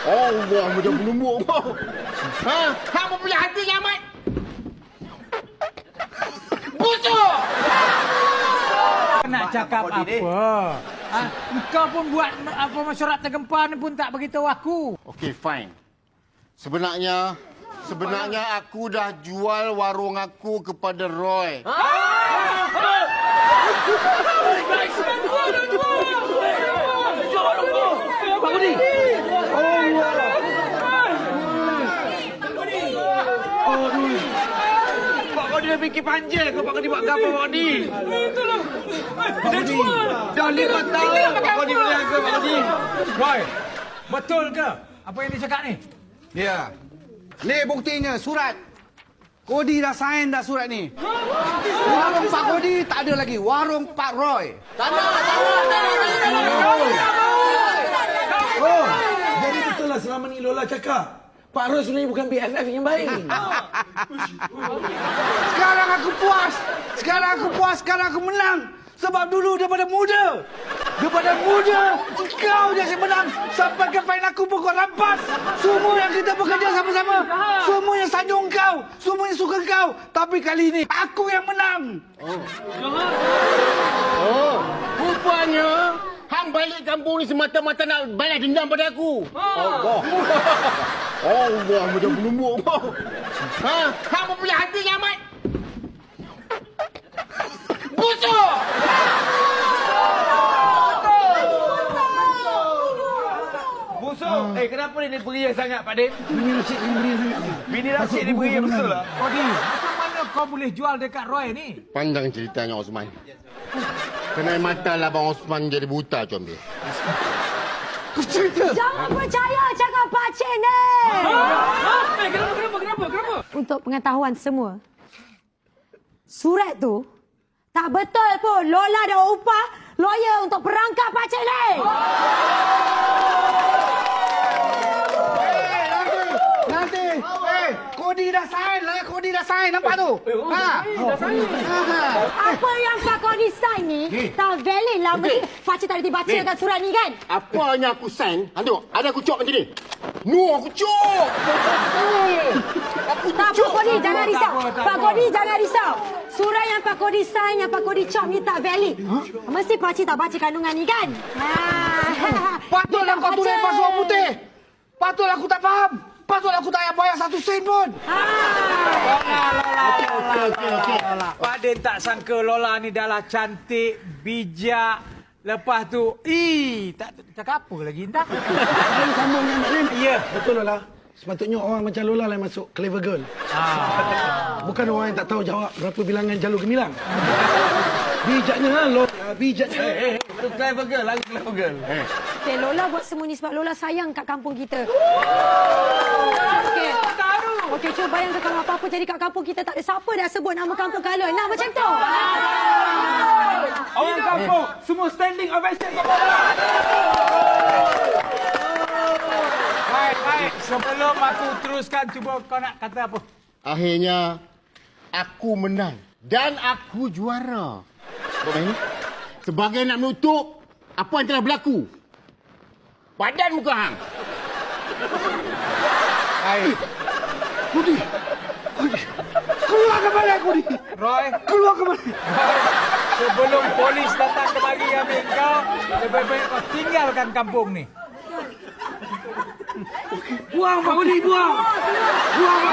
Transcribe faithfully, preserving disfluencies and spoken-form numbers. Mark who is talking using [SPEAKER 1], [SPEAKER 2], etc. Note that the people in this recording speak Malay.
[SPEAKER 1] Allah, macam penumbuk kau. Ha? Hang punya hati yang amat. Busuk!
[SPEAKER 2] Nak cakap apa? Ha? Kau pun buat apa mesyuarat tergempar ni pun tak beritahu aku.
[SPEAKER 1] Okey, fine. Sebenarnya, sebenarnya aku dah jual warung aku kepada Roy. Ha?
[SPEAKER 3] Pak Kodi. Pak Kodi dah fikir panjang ke Pak Kodi buat apa Pak Kodi? Itulah. Dah jual. Dah lima tahun Pak Kodi berniaga Pak Kodi.
[SPEAKER 2] Roy, betul ke apa yang dia cakap ni?
[SPEAKER 4] Ya. Ni buktinya surat. Kodi dah sign dah surat ni. Warung Pak Kodi tak ada lagi. Warung Pak Roy.
[SPEAKER 5] Oh, jadi betul lah selama ni Lola cakap. Pak Roy sebenarnya bukan B F F yang baik.
[SPEAKER 4] Sekarang aku puas. Sekarang aku puas. Sekarang aku menang. Sebab dulu daripada muda. Daripada muda, kau je yang menang. Sampai ke final aku pun kau rampas. Semua yang kita bekerja sama-sama. Semua yang sanjung kau. Semua yang suka kau. Tapi kali ini, aku yang menang.
[SPEAKER 1] Oh, rupanya hang balik kampung ni semata-mata nak balas dendam pada aku. Allah. Allah, macam penumbuk kau. Ha? Hang punya hati yang amat. Busuk!
[SPEAKER 3] Busuk. Eh, kenapa dia beria sangat Pak Din?
[SPEAKER 5] Bini Rashid yang beri sangat ni.
[SPEAKER 3] Bini Rashid ni beria betul lah.
[SPEAKER 2] Kodi, macam mana kau boleh jual dekat Roy ni?
[SPEAKER 1] Panjang ceritanya Osman. Kena mata lah Abang Osman jadi buta comel.
[SPEAKER 6] Jangan percaya cakap pakcik ni.
[SPEAKER 2] Eh, kenapa, kenapa, kenapa, kenapa?
[SPEAKER 6] Untuk pengetahuan semua, surat tu tak betul pun. Lola dah upah lawyer untuk perangkap pakcik ni.
[SPEAKER 4] Nanti, eh, Kodi dah sign lah. Kodi dah sign. Nampak tu? Ha?
[SPEAKER 6] Apa yang Pak Kodi sign ni tak valid lah. Mesti pakcik tak boleh bacakan surat ni kan?
[SPEAKER 1] Apa yang aku sign? Hang tengok, ada aku cop macam ni. No, aku cop. Aku
[SPEAKER 6] Tak apa
[SPEAKER 1] cop.
[SPEAKER 6] Kodi, jangan
[SPEAKER 2] Tak
[SPEAKER 6] risau.
[SPEAKER 2] apa, tak
[SPEAKER 6] Pak
[SPEAKER 2] apa.
[SPEAKER 6] Kodi jangan risau. Surat yang Pak Kodi sign, yang Pak Kodi cop ni tak valid. Mesti pakcik tak baca kandungan ni kan? Ha.
[SPEAKER 4] Patutlah kau tulis pasukan putih. Patutlah aku tak faham. Patutlah aku tak payah bayar satu sen pun.
[SPEAKER 6] Ha.
[SPEAKER 2] Lola, Lola, Lola. Pak Din tak sangka Lola ni dah lah cantik, bijak. Lepas tu, ih, tak cakap apa lagi entah.
[SPEAKER 5] Ada sambung dengan Mak Din.
[SPEAKER 2] Ya.
[SPEAKER 5] Betul Lola. Sepatutnya orang macam Lola lah yang masuk Clever Girl. Bukan orang yang tak tahu jawab berapa bilangan jalur gemilang. Bijaknya lah Lola. Bijaknya.
[SPEAKER 3] Eh, itu clever girl. Lagi clever girl. Eh.
[SPEAKER 6] Okay, Lola buat semua ni sebab Lola sayang kat kampung kita. Okey. Okey, cuba bayangkan kalau apa-apa jadi kat kampung kita tak ada siapa dah sebut nama kampung Kalon. Nah, macam tu.
[SPEAKER 3] Orang kampung, semua standing ovation kepada Lola.
[SPEAKER 2] Baik, baik. Sebelum aku teruskan, cuba kau nak kata apa?
[SPEAKER 1] Akhirnya, aku menang. Dan aku juara. Kau main ni? Sebagai nak menutup apa yang telah berlaku. Badan muka hang.
[SPEAKER 2] Baik.
[SPEAKER 4] Kodi. Kodi. Keluar ke mana Kodi?
[SPEAKER 2] Roy,
[SPEAKER 4] Keluar ke mana?
[SPEAKER 2] sebelum polis datang kemari ambil kau, lebih baik kau tinggalkan kampung ni.
[SPEAKER 4] Buang Pak Kodi, buang. Buang